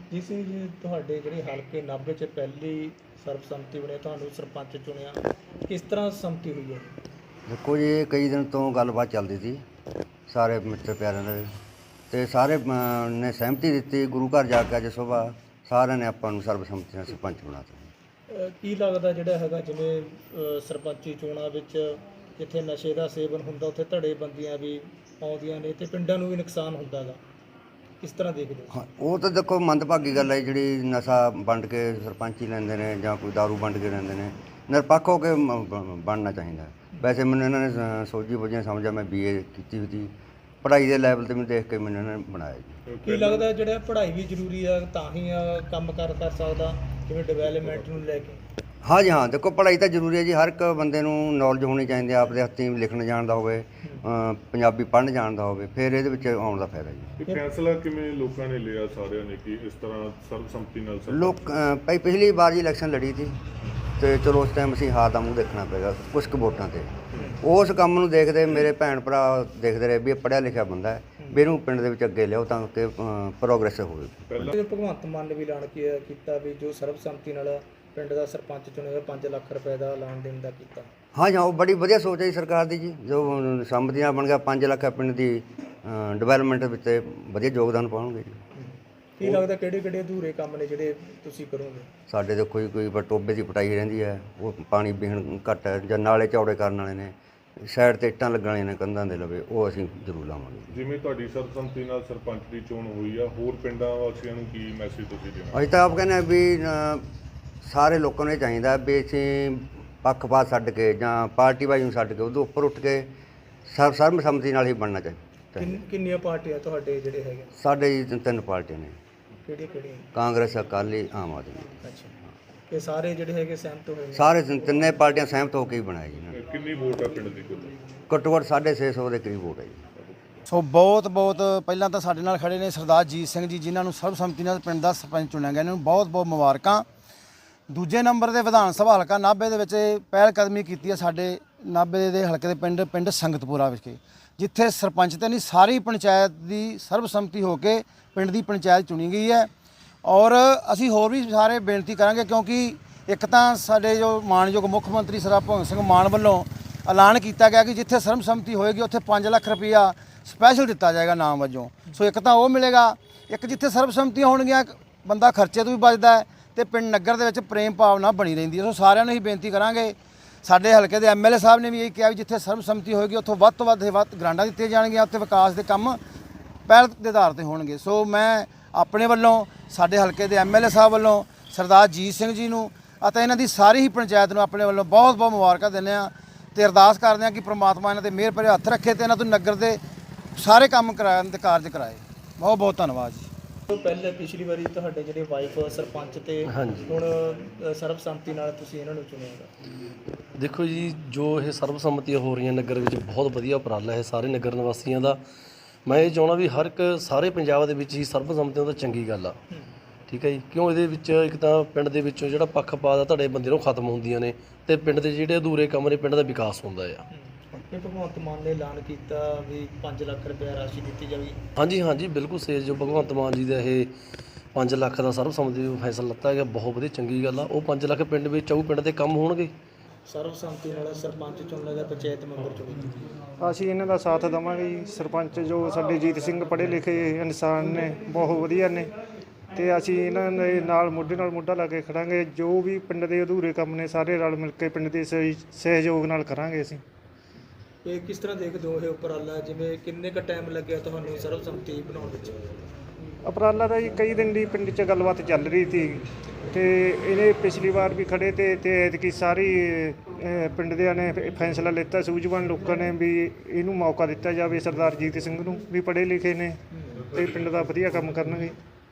ਜੀ ਸਿੰਘ ਜੀ, ਤੁਹਾਡੇ ਜਿਹੜੇ ਹਲਕੇ ਨਾਭੇ 'ਚ ਪਹਿਲੀ ਸਰਬਸੰਮਤੀ ਬਣੀ, ਤੁਹਾਨੂੰ ਸਰਪੰਚ ਚੁਣਿਆ, ਕਿਸ ਤਰ੍ਹਾਂ ਸੰਮਤੀ ਹੋਈ ਹੈ? ਦੇਖੋ ਜੀ, ਇਹ ਕਈ ਦਿਨ ਤੋਂ ਗੱਲਬਾਤ ਚੱਲਦੀ ਸੀ ਸਾਰੇ ਮਿੱਤਰ ਪਿਆਰਿਆਂ ਦੇ, ਅਤੇ ਸਾਰੇ ਨੇ ਸਹਿਮਤੀ ਦਿੱਤੀ। ਗੁਰੂ ਘਰ ਜਾ ਕੇ ਅੱਜ ਸੁਬਾਹ ਸਾਰਿਆਂ ਨੇ ਆਪਾਂ ਨੂੰ ਸਰਬਸੰਮਤੀ ਨਾਲ ਸਰਪੰਚ ਬਣਾਤਾ। ਕੀ ਲੱਗਦਾ ਜਿਹੜਾ ਹੈਗਾ, ਜਿਵੇਂ ਸਰਪੰਚੀ ਚੋਣਾਂ ਵਿੱਚ ਜਿੱਥੇ ਨਸ਼ੇ ਦਾ ਸੇਵਨ ਹੁੰਦਾ ਉੱਥੇ ਧੜੇਬੰਦੀਆਂ ਵੀ ਆਉਂਦੀਆਂ ਨੇ ਅਤੇ ਪਿੰਡਾਂ ਨੂੰ ਵੀ ਨੁਕਸਾਨ ਹੁੰਦਾ ਗਾ, ਕਿਸ ਤਰ੍ਹਾਂ ਦੇਖਦੇ ਹੋ? ਹਾਂ, ਉਹ ਤਾਂ ਦੇਖੋ ਮੰਦਭਾਗੀ ਗੱਲ ਹੈ ਜਿਹੜੀ ਨਸ਼ਾ ਵੰਡ ਕੇ ਸਰਪੰਚੀ ਲੈਂਦੇ ਨੇ ਜਾਂ ਕੋਈ ਦਾਰੂ ਵੰਡ ਕੇ ਲੈਂਦੇ ਨੇ। ਨਿਰਪੱਖ ਹੋ ਕੇ ਬਣਨਾ ਚਾਹੀਦਾ। ਵੈਸੇ ਮੈਨੂੰ ਇਹਨਾਂ ਨੇ ਸੋਝੀ ਬੁੱਝੀ ਸਮਝਿਆ, ਮੈਂ BA ਕੀਤੀ ਹੋਈ ਸੀ, ਪੜ੍ਹਾਈ ਦੇ ਲੈਵਲ 'ਤੇ ਮੈਨੂੰ ਦੇਖ ਕੇ ਮੈਨੂੰ ਇਹਨਾਂ ਨੇ ਬਣਾਇਆ ਜੀ। ਕੀ ਲੱਗਦਾ ਜਿਹੜਾ ਪੜ੍ਹਾਈ ਵੀ ਜ਼ਰੂਰੀ ਆ ਤਾਂ ਹੀ ਕੰਮ ਕਰ ਸਕਦਾ, ਜਿਵੇਂ ਡਿਵੈਲਪਮੈਂਟ ਨੂੰ ਲੈ ਕੇ? ਹਾਂ ਜੀ, ਹਾਂ, ਦੇਖੋ ਪੜ੍ਹਾਈ ਤਾਂ ਜ਼ਰੂਰੀ ਹੈ ਜੀ। ਹਰ ਇੱਕ ਬੰਦੇ ਨੂੰ ਨੌਲੇਜ ਹੋਣੀ ਚਾਹੀਦੀ ਹੈ, ਆਪਦੇ ਹੱਥੀਂ ਲਿਖਣ ਜਾਣਦਾ ਹੋਵੇ, ਪੰਜਾਬੀ ਪੜ੍ਹਨ ਜਾਣਦਾ ਹੋਵੇ, ਫਿਰ ਇਹਦੇ ਵਿੱਚ ਆਉਣ ਦਾ ਫਾਇਦਾ ਜੀ। ਇਹ ਫੈਸਲਾ ਕਿਵੇਂ ਲੋਕਾਂ ਨੇ ਲਿਆ ਸਾਰਿਆਂ ਨੇ ਕਿ ਇਸ ਤਰ੍ਹਾਂ ਸਰਬਸੰਮਤੀ ਨਾਲ ਲੋਕ ਭਾਈ ਪਿਛਲੀ ਵਾਰ ਜੀ ਇਲੈਕਸ਼ਨ ਲੜੀ ਸੀ ਅਤੇ ਚਲੋ ਉਸ ਟਾਈਮ ਅਸੀਂ ਹਾਰ ਦਾ ਮੂੰਹ ਦੇਖਣਾ ਪਏਗਾ ਕੁਛ ਕੁ ਵੋਟਾਂ 'ਤੇ। ਉਸ ਕੰਮ ਨੂੰ ਦੇਖਦੇ ਮੇਰੇ ਭੈਣ ਭਰਾ ਦੇਖਦੇ ਰਹੇ ਵੀ ਇਹ ਪੜ੍ਹਿਆ ਲਿਖਿਆ ਬੰਦਾ ਹੈ, ਵੀ ਇਹਨੂੰ ਪਿੰਡ ਦੇ ਵਿੱਚ ਅੱਗੇ ਲਿਆਓ ਤਾਂ ਕਿ ਪ੍ਰੋਗਰੈਸ ਹੋਵੇ। ਭਗਵੰਤ ਮਾਨ ਨੇ ਵੀ ਐਲਾਨ ਕੀਤਾ ਵੀ ਜੋ ਸਰਬਸੰਮਤੀ ਨਾਲ ਪਿੰਡ ਦਾ ਸਰਪੰਚ ਚੁਣੇਗਾ 5 ਲੱਖ ਰੁਪਏ ਦਾ ਐਲਾਨ ਦੇਣ ਦਾ ਕੀਤਾ। ਹਾਂ ਜੀ, ਹਾਂ, ਉਹ ਬੜੀ ਵਧੀਆ ਸੋਚ ਹੈ ਜੀ ਸਰਕਾਰ ਦੀ ਜੀ। ਜੋ ਸੰਮਤੀ ਨਾਲ ਬਣ ਗਿਆ 5 ਲੱਖ ਪਿੰਡ ਦੀ ਡਿਵੈਲਪਮੈਂਟ ਵਿੱਚ ਵਧੀਆ ਯੋਗਦਾਨ ਪਾਉਣਗੇ ਜੀ। ਕੀ ਲੱਗਦਾ ਕਿਹੜੇ ਅਧੂਰੇ ਕੰਮ ਨੇ ਜਿਹੜੇ ਤੁਸੀਂ ਕਰੋਗੇ? ਸਾਡੇ ਤਾਂ ਕੋਈ ਟੋਬੇ ਦੀ ਪਟਾਈ ਰਹਿੰਦੀ ਹੈ, ਉਹ ਪਾਣੀ ਪੀਣ ਘੱਟ ਹੈ, ਜਾਂ ਨਾਲੇ ਚੌੜੇ ਕਰਨ ਵਾਲੇ ਨੇ, ਸਾਈਡ 'ਤੇ ਇੱਟਾਂ ਲੱਗਣ ਵਾਲੀਆਂ ਨੇ ਕੰਧਾਂ ਦੇ ਲਵੇ, ਉਹ ਅਸੀਂ ਜ਼ਰੂਰ ਲਾਵਾਂਗੇ। ਜਿਵੇਂ ਤੁਹਾਡੀ ਸਰਬਸੰਮਤੀ ਨਾਲ ਸਰਪੰਚ ਦੀ ਚੋਣ ਹੋਈ ਆ, ਹੋਰ ਪਿੰਡਾਂ ਵਾਸੀਆਂ ਨੂੰ ਕੀ ਮੈਸੇਜ ਤੁਸੀਂ ਦੇਣਾ? ਅਸੀਂ ਤਾਂ ਆਪ ਕਹਿੰਦੇ ਹਾਂ ਵੀ ਸਾਰੇ ਲੋਕਾਂ ਨੂੰ ਇਹ ਚਾਹੀਦਾ ਵੀ ਅਸੀਂ ਪੱਖਪਾਤ ਛੱਡ ਕੇ ਜਾਂ ਪਾਰਟੀ ਵਾਈ ਨੂੰ ਛੱਡ ਕੇ ਉਹਦੇ ਉੱਪਰ ਉੱਠ ਕੇ ਸਰਬਸੰਮਤੀ ਨਾਲ ਹੀ ਬਣਨਾ ਚਾਹੀਦਾ। ਕਿੰਨੀਆਂ ਪਾਰਟੀਆਂ ਤੁਹਾਡੇ ਜਿਹੜੇ ਹੈਗੇ? ਸਾਡੇ ਜੀ 3 ਪਾਰਟੀਆਂ ਨੇ। ਕਿਹੜੀਆਂ? ਕਾਂਗਰਸ, ਅਕਾਲੀ, ਆਮ ਆਦਮੀ। ਅੱਛਾ, ਇਹ ਸਾਰੇ ਜਿਹੜੇ ਹੈਗੇ ਸਹਿਮਤ ਹੋਏ? ਸਾਰੇ 3 ਪਾਰਟੀਆਂ ਸਹਿਮਤ ਹੋ ਕੇ ਹੀ ਬਣਾਇਆ ਜੀ ਇਹਨਾਂ ਨੇ। ਕਿੰਨੀ ਵੋਟ ਆ ਪਿੰਡ ਦੀ? ਘੱਟੋ ਘੱਟ 650 ਦੇ ਕਰੀਬ ਵੋਟ ਹੈ ਜੀ। ਸੋ ਬਹੁਤ ਪਹਿਲਾਂ ਤਾਂ ਸਾਡੇ ਨਾਲ ਖੜੇ ਨੇ ਸਰਦਾਰ ਜੀਤ ਸਿੰਘ ਜੀ, ਜਿਨ੍ਹਾਂ ਨੂੰ ਸਰਬਸੰਮਤੀ ਨਾਲ ਪਿੰਡ ਦਾ ਸਰਪੰਚ ਚੁਣਿਆ ਗਿਆ। ਇਹਨਾਂ ਨੂੰ ਬਹੁਤ ਬਹੁਤ ਮੁਬਾਰਕਾਂ। ਦੂਜੇ ਨੰਬਰ ਦੇ ਵਿਧਾਨ ਸਭਾ ਹਲਕਾ ਨਾਭੇ ਦੇ ਵਿੱਚ ਪਹਿਲ ਕਦਮੀ ਕੀਤੀ ਹੈ ਸਾਡੇ ਨਾਭੇ ਦੇ ਹਲਕੇ ਦੇ ਪਿੰਡ ਸੰਗਤਪੁਰਾ ਵਿਖੇ, ਜਿੱਥੇ ਸਰਪੰਚ ਤੇ ਨਹੀਂ ਸਾਰੀ ਪੰਚਾਇਤ ਦੀ ਸਰਬਸੰਮਤੀ ਹੋ ਕੇ ਪਿੰਡ ਦੀ ਪੰਚਾਇਤ ਚੁਣੀ ਗਈ ਹੈ। ਔਰ ਅਸੀਂ ਹੋਰ ਵੀ ਸਾਰੇ ਬੇਨਤੀ ਕਰਾਂਗੇ, ਕਿਉਂਕਿ ਇੱਕ ਤਾਂ ਸਾਡੇ ਜੋ ਮਾਣਯੋਗ ਮੁੱਖ ਮੰਤਰੀ ਸਰਦਾਰ ਭਗਵੰਤ ਸਿੰਘ ਮਾਨ ਵੱਲੋਂ ਐਲਾਨ ਕੀਤਾ ਗਿਆ ਕਿ ਜਿੱਥੇ ਸਰਬਸੰਮਤੀ ਹੋਏਗੀ ਉੱਥੇ 5 ਲੱਖ ਰੁਪਈਆ ਸਪੈਸ਼ਲ ਦਿੱਤਾ ਜਾਏਗਾ ਨਾਮ ਵਜੋਂ। ਸੋ ਇੱਕ ਤਾਂ ਉਹ ਮਿਲੇਗਾ, ਇੱਕ ਜਿੱਥੇ ਸਰਬਸੰਮਤੀਆਂ ਹੋਣਗੀਆਂ ਬੰਦਾ ਖਰਚੇ ਤੋਂ ਵੀ ਬਚਦਾ ਹੈ ਅਤੇ ਪਿੰਡ ਨਗਰ ਦੇ ਵਿੱਚ ਪ੍ਰੇਮ ਭਾਵਨਾ ਬਣੀ ਰਹਿੰਦੀ ਹੈ। ਸੋ ਸਾਰਿਆਂ ਨੂੰ ਹੀ ਬੇਨਤੀ ਕਰਾਂਗੇ। ਸਾਡੇ ਹਲਕੇ ਦੇ MLA ਸਾਹਿਬ ਨੇ ਵੀ ਇਹ ਕਿਹਾ ਵੀ ਜਿੱਥੇ ਸਰਬਸੰਮਤੀ ਹੋਏਗੀ ਉੱਥੋਂ ਵੱਧ ਤੋਂ ਵੱਧ ਗ੍ਰਾਂਟਾਂ ਦਿੱਤੀਆਂ ਜਾਣਗੀਆਂ, ਉੱਥੇ ਵਿਕਾਸ ਦੇ ਕੰਮ ਪਹਿਲ ਦੇ ਆਧਾਰ 'ਤੇ ਹੋਣਗੇ। ਸੋ ਮੈਂ ਆਪਣੇ ਵੱਲੋਂ, ਸਾਡੇ ਹਲਕੇ ਦੇ MLA ਸਾਹਿਬ ਵੱਲੋਂ ਸਰਦਾਰ ਜੀਤ ਸਿੰਘ ਜੀ ਨੂੰ ਅਤੇ ਇਹਨਾਂ ਦੀ ਸਾਰੀ ਹੀ ਪੰਚਾਇਤ ਨੂੰ ਆਪਣੇ ਵੱਲੋਂ ਬਹੁਤ ਬਹੁਤ ਮੁਬਾਰਕਾਂ ਦਿੰਦੇ ਹਾਂ ਅਤੇ ਅਰਦਾਸ ਕਰਦੇ ਹਾਂ ਕਿ ਪ੍ਰਮਾਤਮਾ ਇਹਨਾਂ 'ਤੇ ਮਿਹਰ ਭਰੇ ਹੱਥ ਰੱਖੇ ਅਤੇ ਇਹਨਾਂ ਤੋਂ ਨਗਰ ਦੇ ਸਾਰੇ ਕੰਮ ਕਰਾਉਣ ਦੇ ਕਾਰਜ ਕਰਾਏ। ਬਹੁਤ ਬਹੁਤ ਧੰਨਵਾਦ ਜੀ। ਪਹਿਲੇ ਪਿਛਲੀ ਵਾਰੀ ਤੁਹਾਡੇ ਜਿਹੜੇ ਵਾਈਫ ਸਰਪੰਚ ਤੇ ਹੁਣ ਸਰਬਸੰਮਤੀ ਨਾਲ ਤੁਸੀਂ ਇਹਨਾਂ ਨੂੰ ਚੁਣਿਆ? ਦੇਖੋ ਜੀ, ਜੋ ਇਹ ਸਰਬਸੰਮਤੀਆਂ ਹੋ ਰਹੀਆਂ ਨਗਰ ਵਿੱਚ ਬਹੁਤ ਵਧੀਆ ਉਪਰਾਲਾ ਹੈ ਸਾਰੇ ਨਗਰ ਨਿਵਾਸੀਆਂ ਦਾ। ਮੈਂ ਇਹ ਚਾਹੁੰਦਾ ਵੀ ਹਰ ਇੱਕ ਸਾਰੇ ਪੰਜਾਬ ਦੇ ਵਿੱਚ ਹੀ ਸਰਬਸੰਮਤੀਆਂ ਤਾਂ ਚੰਗੀ ਗੱਲ ਆ, ਠੀਕ ਹੈ ਜੀ। ਕਿਉਂ ਇਹਦੇ ਵਿੱਚ ਇੱਕ ਤਾਂ ਪਿੰਡ ਦੇ ਵਿੱਚੋਂ ਜਿਹੜਾ ਪੱਖਪਾਤ ਆ ਤੁਹਾਡੇ ਬੰਦੇ ਨੂੰ ਖਤਮ ਹੁੰਦੀਆਂ ਨੇ ਅਤੇ ਪਿੰਡ ਦੇ ਜਿਹੜੇ ਅਧੂਰੇ ਕੰਮ ਨੇ ਪਿੰਡ ਦਾ ਵਿਕਾਸ ਹੁੰਦਾ ਆ। ਇਹ ਭਗਵੰਤ ਮਾਨ ਨੇ ਐਲਾਨ ਕੀਤਾ ਵੀ 5 ਲੱਖ ਰੁਪਏ ਰਾਸ਼ੀ ਦਿੱਤੀ ਜਾਵੇਗੀ? ਹਾਂਜੀ, ਬਿਲਕੁਲ ਸੇਜ ਜੋ ਭਗਵੰਤ ਮਾਨ ਜੀ ਦਾ ਇਹ 5 ਲੱਖ ਦਾ ਸਰਬਸੰਮਤੀ ਫੈਸਲਾ ਲਿੱਤਾ ਗਿਆ, ਬਹੁਤ ਵਧੀਆ ਚੰਗੀ ਗੱਲ ਆ। ਉਹ 5 ਲੱਖ ਪਿੰਡ ਵਿੱਚ ਆਊ, ਪਿੰਡ ਦੇ ਕੰਮ ਹੋਣਗੇ। ਸਰਬਸੰਮਤੀ ਨਾਲ ਸਰਪੰਚ ਚੁਣਨ ਦਾ ਪੰਚਾਇਤ ਮੈਂਬਰ ਚੁਣੇਗੀ। ਅਸੀਂ ਇਹਨਾਂ ਦਾ ਸਾਥ ਦੇਵਾਂਗੇ ਜੀ। ਸਰਪੰਚ ਜੋ ਸਾਡੇ ਜੀਤ ਸਿੰਘ ਪੜ੍ਹੇ ਲਿਖੇ ਇਨਸਾਨ ਨੇ, ਬਹੁਤ ਵਧੀਆ ਨੇ, ਅਤੇ ਅਸੀਂ ਇਹਨਾਂ ਦੇ ਨਾਲ ਮੋਢੇ ਨਾਲ ਮੋਢਾ ਲਾ ਕੇ ਖੜਾਂਗੇ। ਜੋ ਵੀ ਪਿੰਡ ਦੇ ਅਧੂਰੇ ਕੰਮ ਨੇ ਸਾਰੇ ਰਲ ਮਿਲ ਕੇ ਪਿੰਡ ਦੇ ਸਹਿਯੋਗ ਨਾਲ ਕਰਾਂਗੇ ਅਸੀਂ। ਇਹ ਕਿਸ ਤਰ੍ਹਾਂ ਦੇਖਦੇ ਹੋ ਇਹ ਉਪਰਾਲਾ? ਜਿਵੇਂ ਕਿੰਨੇ ਕੁ ਟਾਈਮ ਲੱਗਿਆ ਤੁਹਾਨੂੰ ਸਰਬਸੰਮਤੀ ਬਣਾਉਣ ਵਿੱਚ? ਉਪਰਾਲਾ ਦਾ ਜੀ ਕਈ ਦਿਨ ਦੀ ਪਿੰਡ 'ਚ ਗੱਲਬਾਤ ਚੱਲ ਰਹੀ ਸੀ ਅਤੇ ਇਹਨੇ ਪਿਛਲੀ ਵਾਰ ਵੀ ਖੜ੍ਹੇ ਤੇ ਐਤਕੀ ਸਾਰੀ ਪਿੰਡ ਦਿਆਂ ਨੇ ਫੈਸਲਾ ਲਿੱਤਾ, ਸੂਝਵਾਨ ਲੋਕਾਂ ਨੇ, ਵੀ ਇਹਨੂੰ ਮੌਕਾ ਦਿੱਤਾ ਜਾਵੇ ਸਰਦਾਰ ਜੀਤ ਸਿੰਘ ਨੂੰ, ਵੀ ਪੜ੍ਹੇ ਲਿਖੇ ਨੇ ਅਤੇ ਪਿੰਡ ਦਾ ਵਧੀਆ ਕੰਮ ਕਰਨਗੇ।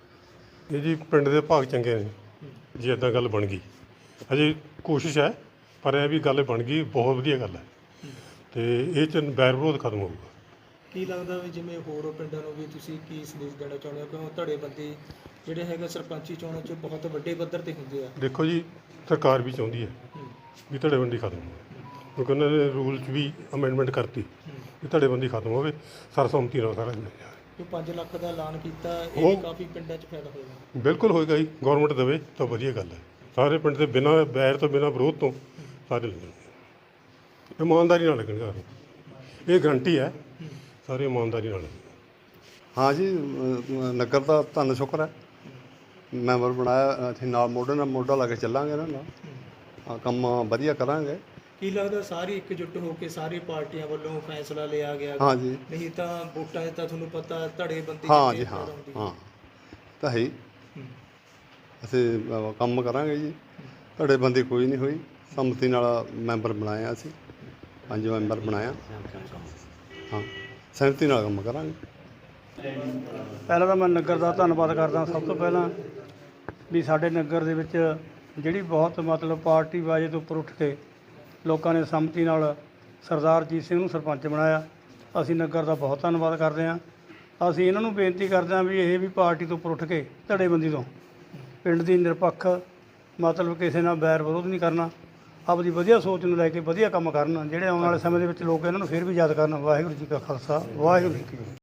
ਇਹ ਜੀ ਪਿੰਡ ਦੇ ਭਾਗ ਚੰਗੇ ਨੇ ਜੀ, ਇੱਦਾਂ ਗੱਲ ਬਣ ਗਈ। ਅਜੇ ਕੋਸ਼ਿਸ਼ ਹੈ, ਪਰ ਇਹ ਵੀ ਗੱਲ ਬਣ ਗਈ, ਬਹੁਤ ਵਧੀਆ ਗੱਲ ਹੈ ਅਤੇ ਇਹ 'ਚ ਵੈਰ ਵਿਰੋਧ ਖਤਮ ਹੋਊਗਾ। ਕੀ ਲੱਗਦਾ ਵੀ ਜਿਵੇਂ ਹੋਰ ਪਿੰਡਾਂ ਨੂੰ ਵੀ ਤੁਸੀਂ ਕੀ ਸੰਦੇਸ਼ ਦੇਣਾ ਚਾਹੁੰਦੇ ਹੋ? ਕਿਉਂ ਧੜੇਬੰਦੀ ਜਿਹੜੇ ਹੈਗੇ ਸਰਪੰਚੀ ਚੋਣਾਂ 'ਚ ਬਹੁਤ ਵੱਡੇ ਪੱਧਰ 'ਤੇ ਹੁੰਦੇ ਆ? ਦੇਖੋ ਜੀ, ਸਰਕਾਰ ਵੀ ਚਾਹੁੰਦੀ ਹੈ ਵੀ ਧੜੇਬੰਦੀ ਖਤਮ ਹੋਵੇ, ਕਿਉਂਕਿ ਉਹਨਾਂ ਨੇ ਰੂਲ 'ਚ ਵੀ ਅਮੈਂਡਮੈਂਟ ਕਰਤੀ ਵੀ ਧੜੇਬੰਦੀ ਖਤਮ ਹੋਵੇ, ਸਰਬਸੰਮਤੀ ਨਾਲ ਸਾਰਾ ਜੋ 5 ਲੱਖ ਦਾ ਐਲਾਨ ਕੀਤਾ ਇਹ ਵੀ ਉਹ- ਕਾਫੀ ਪਿੰਡਾਂ 'ਚ ਫਾਇਦਾ ਹੋਏਗਾ। ਬਿਲਕੁਲ ਹੋਏਗਾ ਜੀ, ਗਵਰਨਮੈਂਟ ਦੇਵੇ ਤਾਂ ਵਧੀਆ ਗੱਲ ਹੈ। ਸਾਰੇ ਪਿੰਡ ਦੇ ਬਿਨਾਂ ਬੈਰ ਤੋਂ ਬਿਨਾਂ ਵਿਰੋਧ ਤੋਂ ਸਾਰੇ ਲੱਗਣਗੇ, ਇਮਾਨਦਾਰੀ ਨਾਲ ਲੱਗਣਗੇ ਸਾਰੇ। ਇਹ ਗਰੰਟੀ ਹੈ, ਸਾਰੇ ਇਮਾਨਦਾਰੀ ਨਾਲ ਲੱਗਣਗੇ। ਹਾਂ ਜੀ, ਨਗਰ ਦਾ ਧੰਨ ਸ਼ੁਕਰ ਹੈ, ਮੈਂਬਰ ਬਣਾਇਆ, ਅਸੀਂ ਨਾਲ ਮੋਢੇ ਨਾਲ ਮੋਢਾ ਲਾ ਕੇ ਚੱਲਾਂਗੇ ਇਹਨਾਂ ਨਾਲ। ਹਾਂ, ਕੰਮ ਵਧੀਆ ਕਰਾਂਗੇ। ਕੀ ਲੱਗਦਾ ਸਾਰੀ ਇਕਜੁੱਟ ਹੋ ਕੇ ਸਾਰੀ ਪਾਰਟੀਆਂ ਵੱਲੋਂ ਫੈਸਲਾ ਲਿਆ ਗਿਆ? ਹਾਂ ਜੀ, ਨਹੀਂ ਤਾਂ ਵੋਟਾਂ 'ਚ ਤਾਂ ਤੁਹਾਨੂੰ ਪਤਾ ਧੜੇਬੰਦੀ ਹਾਂ ਕਿੰਨੀ ਜੀ, ਹਾਂ ਜ਼ਿਆਦਾ ਹੁੰਦੀ ਹੈ। ਹਾਂ ਤਾਂ ਹੈ ਹੀ। ਹੂੰ। ਅਸੀਂ ਕੰਮ ਕਰਾਂਗੇ ਜੀ, ਧੜੇਬੰਦੀ ਕੋਈ ਨਹੀਂ ਹੋਈ, ਸੰਮਤੀ ਨਾਲ ਮੈਂਬਰ ਬਣਾਇਆ ਅਸੀਂ, 5 ਮੈਂਬਰ ਬਣਾਇਆ। ਹਾਂ, ਸਹਿਮਤੀ ਨਾਲ ਕੰਮ ਕਰਾਂਗੇ। ਪਹਿਲਾਂ ਤਾਂ ਮੈਂ ਨਗਰ ਦਾ ਧੰਨਵਾਦ ਕਰਦਾ ਸਭ ਤੋਂ ਪਹਿਲਾਂ ਵੀ ਸਾਡੇ ਨਗਰ ਦੇ ਵਿੱਚ ਜਿਹੜੀ ਬਹੁਤ ਮਤਲਬ ਪਾਰਟੀ ਬਾਜੇ ਤੋਂ ਉੱਪਰ ਉੱਠ ਕੇ ਲੋਕਾਂ ਨੇ ਸੰਮਤੀ ਨਾਲ ਸਰਦਾਰ ਜੀਤ ਸਿੰਘ ਨੂੰ ਸਰਪੰਚ ਬਣਾਇਆ। ਅਸੀਂ ਨਗਰ ਦਾ ਬਹੁਤ ਧੰਨਵਾਦ ਕਰਦੇ ਹਾਂ। ਅਸੀਂ ਇਹਨਾਂ ਨੂੰ ਬੇਨਤੀ ਕਰਦੇ ਹਾਂ ਵੀ ਇਹ ਵੀ ਪਾਰਟੀ ਤੋਂ ਉੱਪਰ ਉੱਠ ਕੇ ਧੜੇਬੰਦੀ ਤੋਂ ਪਿੰਡ ਦੀ ਨਿਰਪੱਖ ਮਤਲਬ ਕਿਸੇ ਨਾਲ ਬੈਰ ਵਿਰੋਧ ਨਹੀਂ ਕਰਨਾ, ਆਪਦੀ ਵਧੀਆ ਸੋਚ ਨੂੰ ਲੈ ਕੇ ਵਧੀਆ ਕੰਮ ਕਰਨ, ਜਿਹੜੇ ਆਉਣ ਵਾਲੇ ਸਮੇਂ ਦੇ ਵਿੱਚ ਲੋਕ ਇਹਨਾਂ ਨੂੰ ਫਿਰ ਵੀ ਯਾਦ ਕਰਨ। ਵਾਹਿਗੁਰੂ ਜੀ ਕਾ ਖਾਲਸਾ, ਵਾਹਿਗੁਰੂ ਜੀ ਕੀ ਫਤਿਹ।